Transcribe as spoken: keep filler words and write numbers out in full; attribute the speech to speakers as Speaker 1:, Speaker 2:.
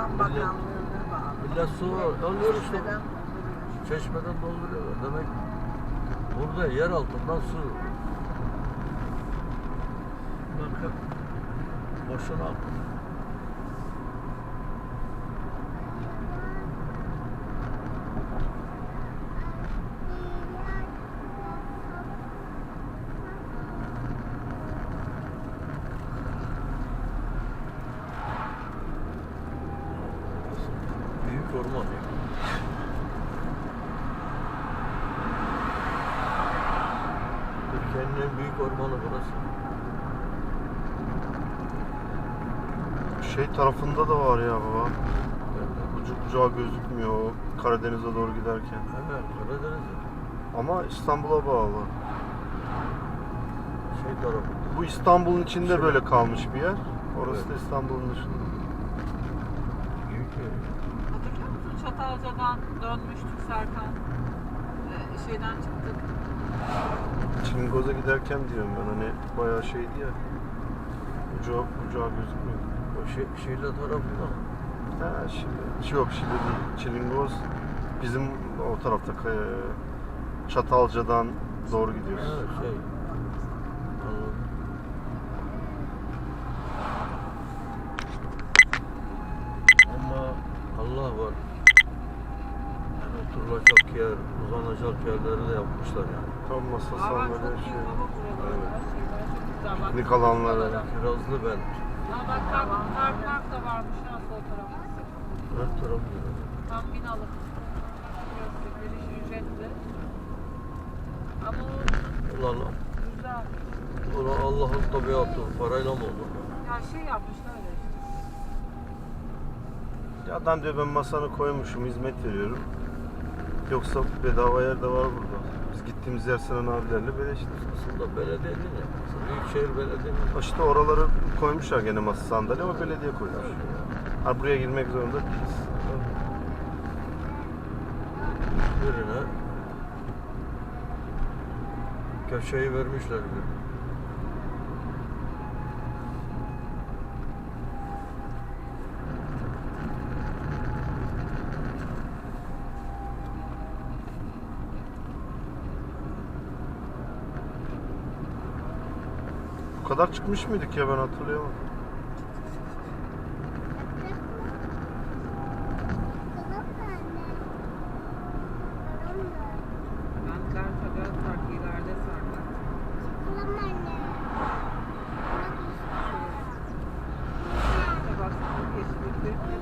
Speaker 1: Tarım Bakanlığı'na bağlı.
Speaker 2: Millet su alıyor işte.
Speaker 1: Çeşmeden
Speaker 2: Çeşmeden dolduruyorlar. Demek burada yer altından su. Bakın boşuna akıyor. Büyük orman. Türkiye'nin en büyük ormanı burası.
Speaker 3: Şey tarafında da var ya baba. Ucu bucağı gözükmüyor Karadeniz'e doğru giderken.
Speaker 2: Evet, Karadeniz'de.
Speaker 3: Ama İstanbul'a bağlı.
Speaker 2: Şey tarafı.
Speaker 3: Bu İstanbul'un içinde
Speaker 2: Şöyle.
Speaker 3: böyle kalmış bir yer. Orası
Speaker 2: Evet.
Speaker 3: da İstanbul'un dışında.
Speaker 2: Büyük yer.
Speaker 4: Hatırlıyor musun? Çatalca'dan dönmüştük Serkan. Ee, şeyden çıktık.
Speaker 3: Çingoz'a giderken diyorum ben hani bayağı şeydi ya. Ucağı bucağı gözükmüyor.
Speaker 2: O şey, Şile tarafında.
Speaker 3: Ha Şile. Yok Şile değil. Çilingoz bizim o tarafta Kaya- Çatalca'dan doğru gidiyoruz.
Speaker 2: Evet, şey. Anladım. Ama Allah var. Yani oturulacak yer, uzanacak yerleri de yapmışlar yani.
Speaker 3: Tam masa
Speaker 4: Aa, bak çok
Speaker 3: sandalye
Speaker 4: iyi
Speaker 3: şey.
Speaker 4: baba buralar.
Speaker 3: Evet.
Speaker 4: Her şeyler çok güzel. Bak,
Speaker 3: Piknik alanları.
Speaker 2: Kirazlı ben.
Speaker 4: Ha bak kar, kar park da varmış ha sol tarafta.
Speaker 2: Her taraf güzel.
Speaker 4: Tam binalık. Burası giriş ücretli. Ama o
Speaker 2: Ulan,
Speaker 4: güzel.
Speaker 2: ulan Allah'ın tabiatı parayla mı olur?
Speaker 4: Ya şey yapmışlar öyle işte.
Speaker 3: Ya adam diyor ben masanı koymuşum hizmet veriyorum. Yoksa bedava yer de var burada. Biz gittiğimiz yer Sinan abilerle beleşti.
Speaker 2: Aslında belediyenin ya. Büyükşehir Belediye'nin.
Speaker 3: İşte oraları koymuşlar gene masa sandalye ama belediye koymuş. Ha buraya girmek zorunda değiliz.
Speaker 2: Birine köşeyi vermişler bir.
Speaker 3: Bu kadar çıkmış mıydık ya ben hatırlayamadım.